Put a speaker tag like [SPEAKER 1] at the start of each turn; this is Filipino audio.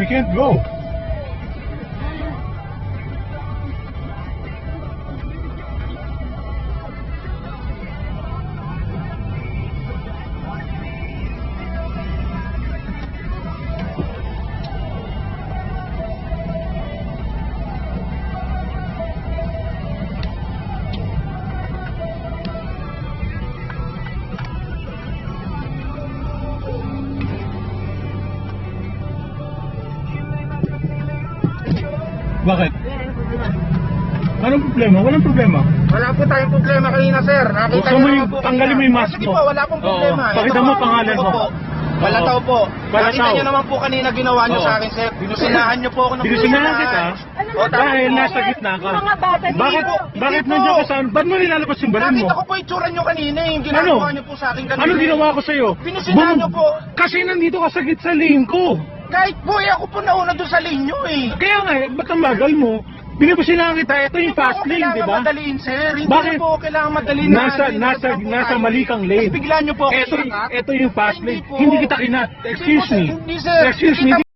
[SPEAKER 1] we can't go. Bakit? Anong problema? Walang problema.
[SPEAKER 2] Wala po tayong problema kanina, sir. Nakita
[SPEAKER 1] Buksan mo
[SPEAKER 2] niyo
[SPEAKER 1] yung-
[SPEAKER 2] naman po
[SPEAKER 1] tanggalin
[SPEAKER 2] kanina.
[SPEAKER 1] mo yung mask
[SPEAKER 2] Sige
[SPEAKER 1] mo.
[SPEAKER 2] po, wala pong problema.
[SPEAKER 1] Oo. Pakita
[SPEAKER 2] Ito
[SPEAKER 1] mo
[SPEAKER 2] po,
[SPEAKER 1] pangalan mo.
[SPEAKER 2] Opo. Balataw po.
[SPEAKER 1] Balataw.
[SPEAKER 2] Nakita niyo naman po kanina ginawa niyo
[SPEAKER 1] Oo.
[SPEAKER 2] sa akin, sir. Binusinahan niyo po ako ng
[SPEAKER 1] Binusinahan kita?
[SPEAKER 2] O, tama
[SPEAKER 1] Dahil
[SPEAKER 2] po.
[SPEAKER 1] nasa gitna ka.
[SPEAKER 3] Mga bata,
[SPEAKER 1] Bakit?
[SPEAKER 2] hindi
[SPEAKER 1] Bakit
[SPEAKER 2] po.
[SPEAKER 1] nandiyan ka saan? Ba't mo nilalabas yung baril mo?
[SPEAKER 2] Nakita ko po itsura niyo kanina, yung ginagawa niyo po sa akin kanina.
[SPEAKER 1] Ano ginawa ko sa'yo?
[SPEAKER 2] Binusinahan niyo po.
[SPEAKER 1] Kasi nandito ka sa gitna sa lane ko.
[SPEAKER 2] Kahit po, ako po nauna doon sa linyo eh.
[SPEAKER 1] Kaya nga, ba't ang bagal mo? Binibusinahan kita, ito yung fast lane, di ba?
[SPEAKER 2] Madaliin, sir. Hindi
[SPEAKER 1] Bakit?
[SPEAKER 2] po kailangan madaliin.
[SPEAKER 1] Nasa mali kang lane.
[SPEAKER 2] Bigla niyo po ako
[SPEAKER 1] Ito
[SPEAKER 2] sinangat.
[SPEAKER 1] yung fast
[SPEAKER 2] Hindi
[SPEAKER 1] lane.
[SPEAKER 2] po.
[SPEAKER 1] Hindi kita kinat. Excuse me.
[SPEAKER 2] Hindi, sir.
[SPEAKER 1] Excuse me.
[SPEAKER 2] Kita